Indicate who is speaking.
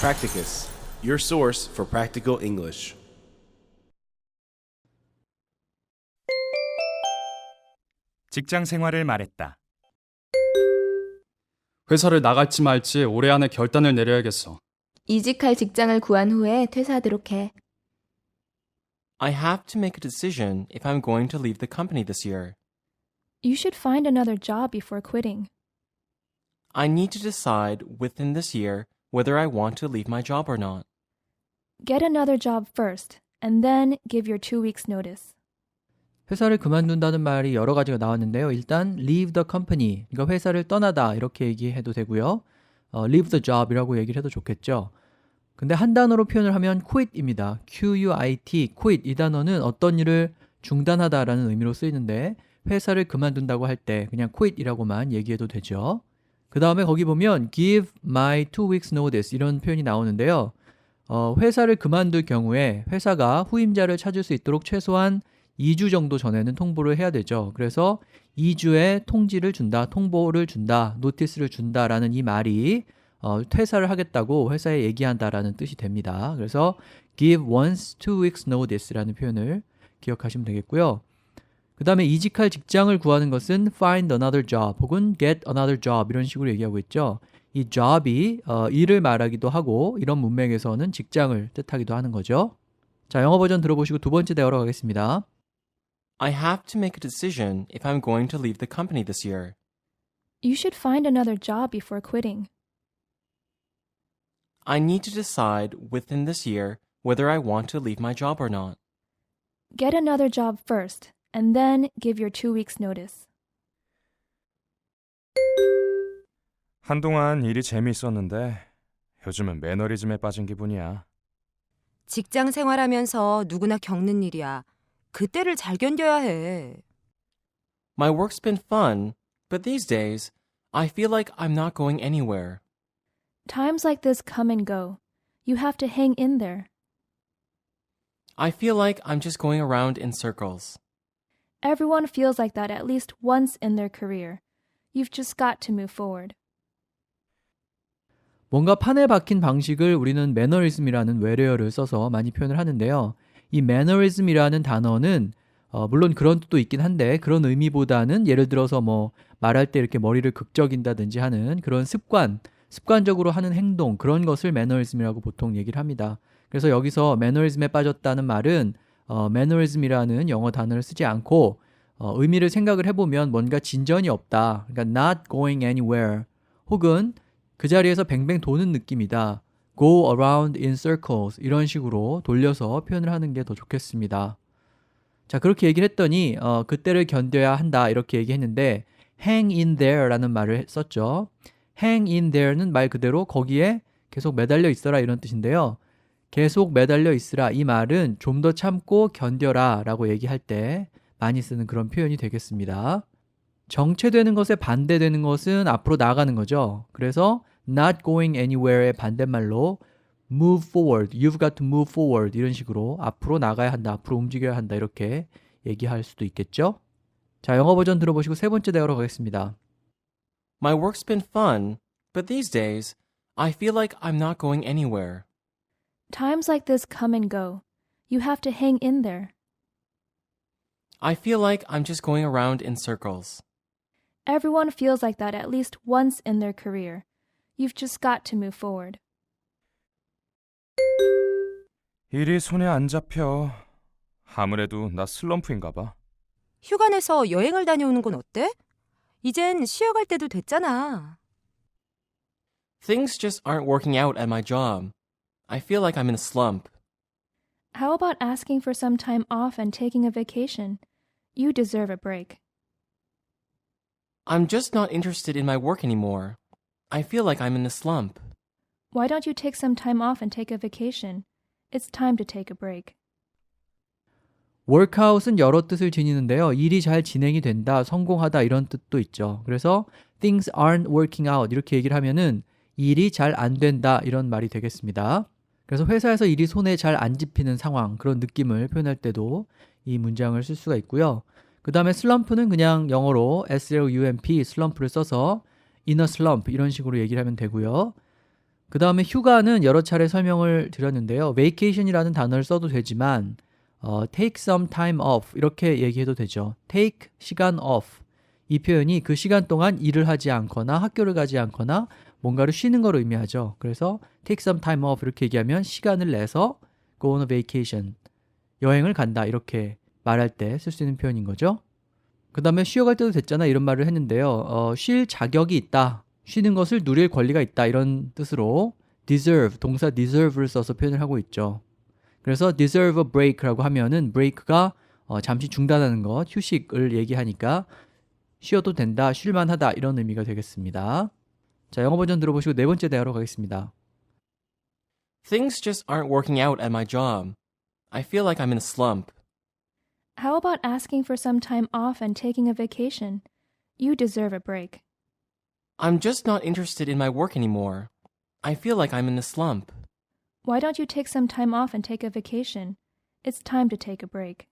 Speaker 1: Practicus, your source for practical English.
Speaker 2: 직장 생활을 말했다.
Speaker 3: 회사를 나갈지 말지 올해 안에 결단을 내려야겠어.
Speaker 4: 이직할 직장을 구한 후에 퇴사하도록 해.
Speaker 5: I have to make a decision if I'm going to leave the company this year.
Speaker 6: You should find another job before quitting.
Speaker 5: I need to decide within this year whether I want to leave my job or not.
Speaker 6: Get another job first, and then give your 2 weeks notice.
Speaker 7: 회사를 그만둔다는 말이 여러 가지가 나왔는데요. 일단 leave the company, 그러니까 회사를 떠나다 이렇게 얘기해도 되고요. leave the job이라고 얘기를 해도 좋겠죠. 근데 한 단어로 표현을 하면 quit입니다. Q-U-I-T, quit 이 단어는 어떤 일을 중단하다라는 의미로 쓰이는데 회사를 그만둔다고 할 때 그냥 quit이라고만 얘기해도 되죠. 그 다음에 거기 보면 give my 2 weeks notice 이런 표현이 나오는데요. 회사를 그만둘 경우에 회사가 후임자를 찾을 수 있도록 최소한 2주 정도 전에는 통보를 해야 되죠. 그래서 2주의 통지를 준다, 통보를 준다, 노티스를 준다라는 이 말이 퇴사를 하겠다고 회사에 얘기한다라는 뜻이 됩니다. 그래서 give one's 2 weeks notice라는 표현을 기억하시면 되겠고요. 그 다음에 이직할 직장을 구하는 것은 find another job 혹은 get another job 이런 식으로 얘기하고 있죠. 이 job이 일을 말하기도 하고 이런 문맥에서는 직장을 뜻하기도 하는 거죠. 자, 영어 버전 들어보시고 두 번째 대화로 가겠습니다.
Speaker 5: I have to make a decision if I'm going to leave the company this year.
Speaker 6: You should find another job before quitting.
Speaker 5: I need to decide within this year whether I want to leave my job or not.
Speaker 6: Get another job first, and then give your 2 weeks notice.
Speaker 2: 한동안 일이 재미있었는데 요즘은 매너리즘에 빠진 기분이야.
Speaker 8: 직장 생활하면서 누구나 겪는 일이야. 그때를 잘 견뎌야 해.
Speaker 5: My work's been fun, but these days, I feel like I'm not going anywhere.
Speaker 6: Times like this come and go. You have to hang in there.
Speaker 5: I feel like I'm just going around in circles.
Speaker 6: Everyone feels like that at least once in their career. You've just got to move forward.
Speaker 7: 뭔가 판에 박힌 방식을 우리는 매너리즘이라는 외래어를 써서 많이 표현을 하는데요. 이 매너리즘이라는 단어는 물론 그런 뜻도 있긴 한데 그런 의미보다는 예를 들어서 뭐 말할 때 이렇게 머리를 극적인다든지 하는 그런 습관적으로 하는 행동 그런 것을 매너리즘이라고 보통 얘기를 합니다. 그래서 여기서 매너리즘에 빠졌다는 말은 매너리즘이라는 영어 단어를 쓰지 않고 의미를 생각을 해보면 뭔가 진전이 없다. 그러니까 not going anywhere 혹은 그 자리에서 뱅뱅 도는 느낌이다. go around in circles 이런 식으로 돌려서 표현을 하는 게 더 좋겠습니다. 자, 그렇게 얘기를 했더니 그때를 견뎌야 한다 이렇게 얘기했는데 hang in there 라는 말을 썼죠. hang in there는 말 그대로 거기에 계속 매달려 있어라 이런 뜻인데요. 계속 매달려 있으라 이 말은 좀 더 참고 견뎌라 라고 얘기할 때 많이 쓰는 그런 표현이 되겠습니다. 정체되는 것에 반대되는 것은 앞으로 나아가는 거죠. 그래서 not going anywhere의 반대말로 move forward, you've got to move forward 이런 식으로 앞으로 나가야 한다, 앞으로 움직여야 한다 이렇게 얘기할 수도 있겠죠. 자, 영어 버전 들어보시고 세 번째 대화로 가겠습니다.
Speaker 5: My work's been fun, but these days, I feel like I'm not going anywhere.
Speaker 6: Times like this come and go. You have to hang in there.
Speaker 5: I feel like I'm just going around in circles.
Speaker 6: Everyone feels like that at least once in their career. You've just got to move forward.
Speaker 2: 일이 손에 안 잡혀. 아무래도 나 슬럼프인가 봐.
Speaker 8: 휴가 내서 여행을 다녀오는 건 어때? 이젠 쉬어갈 때도 됐잖아.
Speaker 5: Things just aren't working out at my job. I feel like I'm in a slump.
Speaker 6: How about asking for some time off and taking a vacation? You deserve a break.
Speaker 5: I'm just not interested in my work anymore. I feel like I'm in a slump.
Speaker 6: Why don't you take some time off and take a vacation? It's time to take a break.
Speaker 7: workout은 여러 뜻을 지니는데요. 일이 잘 진행이 된다, 성공하다 이런 뜻도 있죠. 그래서 things aren't working out 이렇게 얘기를 하면은 일이 잘 안 된다 이런 말이 되겠습니다. 그래서 회사에서 일이 손에 잘 안 집히는 상황 그런 느낌을 표현할 때도 이 문장을 쓸 수가 있고요. 그 다음에 슬럼프는 그냥 영어로 slump 슬럼프를 써서 in a slump 이런 식으로 얘기를 하면 되고요. 그 다음에 휴가는 여러 차례 설명을 드렸는데요. vacation이라는 단어를 써도 되지만 take some time off 이렇게 얘기해도 되죠. take 시간 off 이 표현이 그 시간 동안 일을 하지 않거나 학교를 가지 않거나 뭔가를 쉬는 걸 의미하죠. 그래서 take some time off 이렇게 얘기하면 시간을 내서 go on a vacation 여행을 간다 이렇게 말할 때 쓸 수 있는 표현인 거죠. 그 다음에 쉬어갈 때도 됐잖아 이런 말을 했는데요. 쉴 자격이 있다. 쉬는 것을 누릴 권리가 있다 이런 뜻으로 deserve, 동사 deserve를 써서 표현을 하고 있죠. 그래서 deserve a break라고 하면은 break가 잠시 중단하는 것, 휴식을 얘기하니까 쉬어도 된다, 쉴만하다 이런 의미가 되겠습니다. 자, 영어 버전 들어보시고 네 번째 대화로 가겠습니다.
Speaker 5: Things just aren't working out at my job. I feel like I'm in a slump.
Speaker 6: How about asking for some time off and taking a vacation? You deserve a break.
Speaker 5: I'm just not interested in my work anymore. I feel like I'm in a slump.
Speaker 6: Why don't you take some time off and take a vacation? It's time to take a break.